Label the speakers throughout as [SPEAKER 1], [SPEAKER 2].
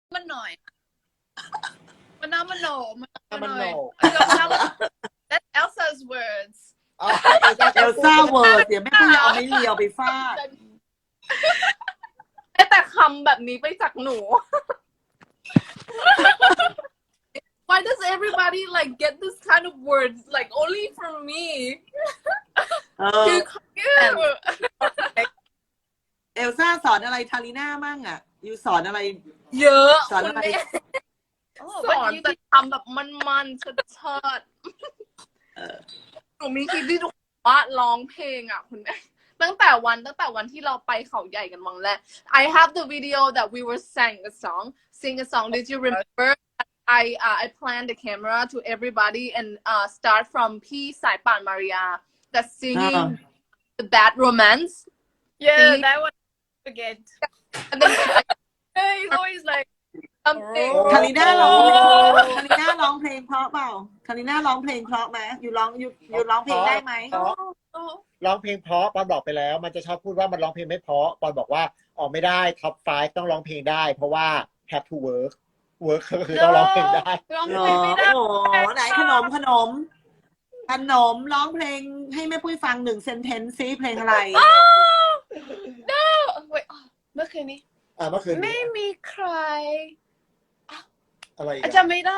[SPEAKER 1] มันหน่อยมันน้ำมันโหนมันหน่อย That's Elsa's words
[SPEAKER 2] เอลซ่าเวิร์ดเดี๋ยวแม่ปุ้ยเอาไม่เลียวไปฟาด
[SPEAKER 3] แต่คำแบบนี้ไปจากหนู Why does everybody like get this kind of words like only from me
[SPEAKER 1] คือ
[SPEAKER 2] เอลซ่าสอนอะไรทาริน่ามั่งอ่ะยูสอนอะไร
[SPEAKER 3] เยอะ
[SPEAKER 2] สอนอะไร
[SPEAKER 3] สอนแต่ทำแบบมันๆเชิดๆหนูมีคลิปที่ทุกคนว่าร้องเพลงอ่ะคุณแม่ตั้งแต่วันที่เราไปเขาใหญ่กันวันแรก I have the video that we were sing a song Did you remember I planned the camera to everybody and start from พี่สายป่านมาริยา that's singing the bad romance
[SPEAKER 1] yeah that one forget
[SPEAKER 3] and then
[SPEAKER 1] he's always like something
[SPEAKER 2] ทาริน่าร้องเพลงเพราะเปล่าทาริน่าร้องเพลงเพราะไหมอยู่ร้องเพลงได้ไหม
[SPEAKER 4] ร้องเพลงเพราะปอนบอกไปแล้วมันจะชอบพูดว่ามันร้องเพลงไม่เพราะปอนบอกว่าออกไม่ได้ท็อป 5ต้องร้องเพลงได้เพราะว่า have to work ก็คือต้องร้องเพลงได้
[SPEAKER 1] ร้องเพลงไม่ได้
[SPEAKER 2] โอ้โหไหนขนมร้องเพลงให้แม่ปุ้ยฟัง1 sentence ซิเพลงอะไร
[SPEAKER 1] no wait เมื่อคืนนี้
[SPEAKER 4] เมื่อคืน
[SPEAKER 1] ไม่มีใคร
[SPEAKER 4] อะไรอีก
[SPEAKER 1] จำไม่ได้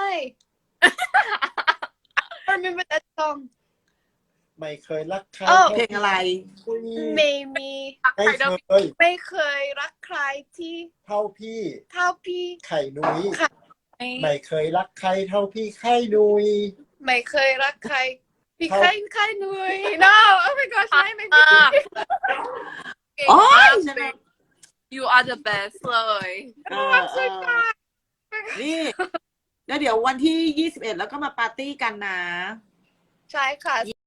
[SPEAKER 1] I remember that song
[SPEAKER 4] ไม่เคยรักใคร
[SPEAKER 2] เพลงอะไร
[SPEAKER 1] ไม่มี
[SPEAKER 4] ไม่เคย
[SPEAKER 1] รักใครที่
[SPEAKER 4] เท่าพี่
[SPEAKER 1] เท่าพี่
[SPEAKER 4] ไข่นุ้ยไม่เคยรักใครเท่าพี่ไข่นุ้ย
[SPEAKER 1] ไม่เคยรักใครพี่ใครหนุ่ย no oh my gosh ไม่มี
[SPEAKER 2] โอ้ย
[SPEAKER 3] you are the best เลย
[SPEAKER 2] นี่แล้วเดี๋ยววันที่21แล้วก็มาปาร์ตี้กันนะ
[SPEAKER 1] ใช่ค่ะ